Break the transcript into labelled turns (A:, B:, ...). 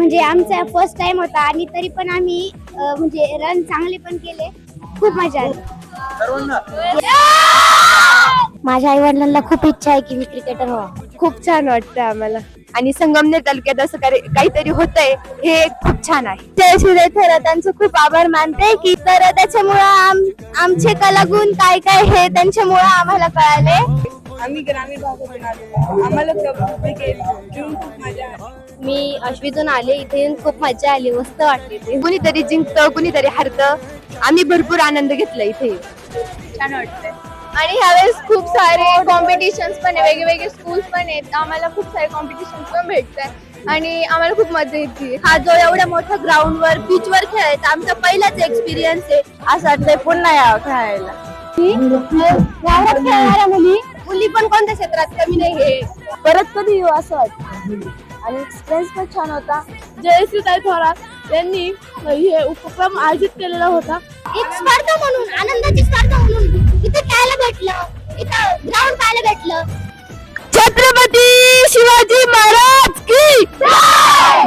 A: म्हणजे आमचा first time होता आणि तरी पण आम्ही म्हणजे रन चांगले पण केले. खूप मजा आली. माझ्या आई वडिलांना खूप इच्छा आहे की मी क्रिकेटर व्हावा.
B: खूप छान वाटतं आम्हाला आणि संगमनेर तालुक्यात असं काहीतरी होतंय हे खूप छान आहे.
A: जयश्री थोरातांचं खूप आभार मानते की तर त्याच्यामुळं आमचे कलागुण काय काय हे त्यांच्यामुळं आम्हाला कळाले.
C: आम्ही ग्रामीण भागातून आलो, आम्हाला कबड्डी घेऊन खूप मजा आली.
A: मी अश्वीतून आले, इथे येऊन खूप मजा आली, मस्त वाटले ते.
B: कुणीतरी जिंकतं कुणीतरी हरतं. आम्ही भरपूर आनंद घेतला इथे.
C: छान वाटतंय.
B: आणि ह्यावेळेस खूप सारे कॉम्पिटिशन्स पण आहे, वेगवेगळे स्कूल्स पण आहेत. आम्हाला खूप सारे कॉम्पिटिशन्स पण भेटतात आणि आम्हाला खूप मजा येते.
A: हा जो एवढ्या मोठ्या ग्राउंडवर बीचवर खेळायचा आमचा पहिलाच एक्सपिरियन्स आहे.
B: असं वाटतंय पुन्हा यावं खेळायला.
A: गावात खेळणाऱ्या मुली पण कोणत्या क्षेत्रात कमी नाही हे.
B: परत कधी येऊ असं वाटतं आणि एक्सपिरियन्स पण छान होता. जयश्रीताई थोरात यांनी हे उपक्रम आयोजित केलेला होता.
A: एक स्पर्धा म्हणून, आनंदाची स्पर्धा म्हणून इथे खेळायला भेटलं, इथं ग्राउंड पाहायला भेटलं.
B: छत्रपती शिवाजी महाराज की